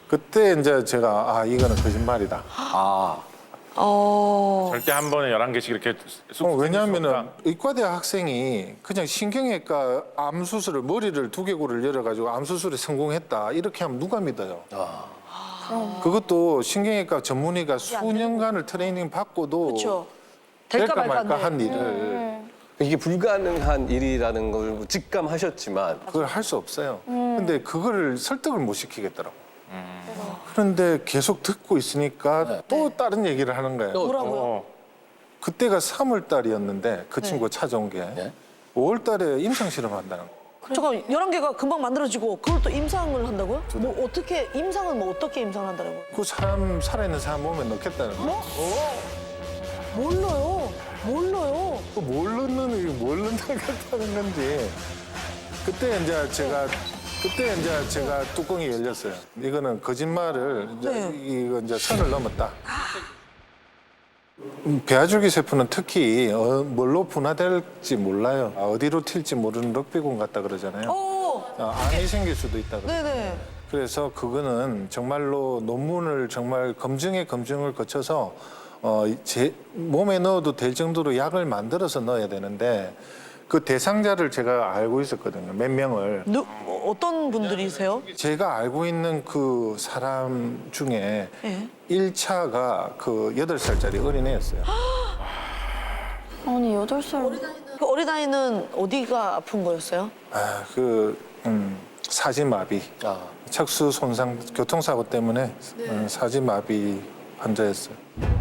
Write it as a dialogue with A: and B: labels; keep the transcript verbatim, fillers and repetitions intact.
A: 그때 이제 제가 아 이거는 거짓말이다.
B: 아.
C: 어.
D: 절대 한 번에 열한 개씩 이렇게 쑥
A: 어, 왜냐하면은
D: 생길
A: 의과대 학생이 그냥 신경외과 암 수술을 머리를 두개골을 열어가지고 암 수술에 성공했다 이렇게 하면 누가 믿어요? 그것도 신경외과 전문의가 수년간을 트레이닝 받고도
C: 그렇죠.
A: 될까
C: 될까
A: 말까
C: 말까인데.
A: 한 일을
B: 이게 불가능한 일이라는 걸 직감하셨지만
A: 그걸 할 수 없어요. 근데 그거를 설득을 못 시키겠더라고. 그런데 계속 듣고 있으니까 또 다른 얘기를 하는 거예요.
C: 뭐라고요?
D: 어.
A: 그때가 삼월 달이었는데 그 친구가 찾아온 게
B: 네.
A: 오월 달에 임상 실험한다는 거.
C: 잠깐 열한 개가 금방 만들어지고 그걸 또 임상을 한다고요? 뭐 어떻게 임상은 뭐 어떻게 임상을 한다는 거예요?
A: 그 사람 살아있는 사람 몸에 넣겠다는 거.
C: 뭐? 몰라요. 몰라요.
A: 그 모르는 뭘 넣겠다는 건지. 그때 이제 제가 그때 이제 제가 뚜껑이 열렸어요. 이거는 거짓말을 이제
C: 네.
A: 이거 이제 선을 넘었다. 음, 배아줄기 세포는 특히 어, 뭘로 분화될지 몰라요. 아, 어디로 튈지 모르는 럭비공 같다 그러잖아요.
C: 오.
A: 아, 암이 생길 수도 있다 그래요.
C: 네네.
A: 그래서 그거는 정말로 논문을 정말 검증에 검증을 거쳐서 어, 제 몸에 넣어도 될 정도로 약을 만들어서 넣어야 되는데 그 대상자를 제가 알고 있었거든요. 몇 명을.
C: 누, 어, 어떤 분들이세요?
A: 제가 알고 있는 그 사람 중에
C: 예.
A: 일 차가 그 여덟 살짜리 어린애였어요.
E: 아니 여덟 살
C: 그 어린아이는 어디가 아픈 거였어요?
A: 아, 그 음, 사지마비,
B: 아.
A: 척수 손상, 교통사고 때문에 어, 사지마비 환자였어요.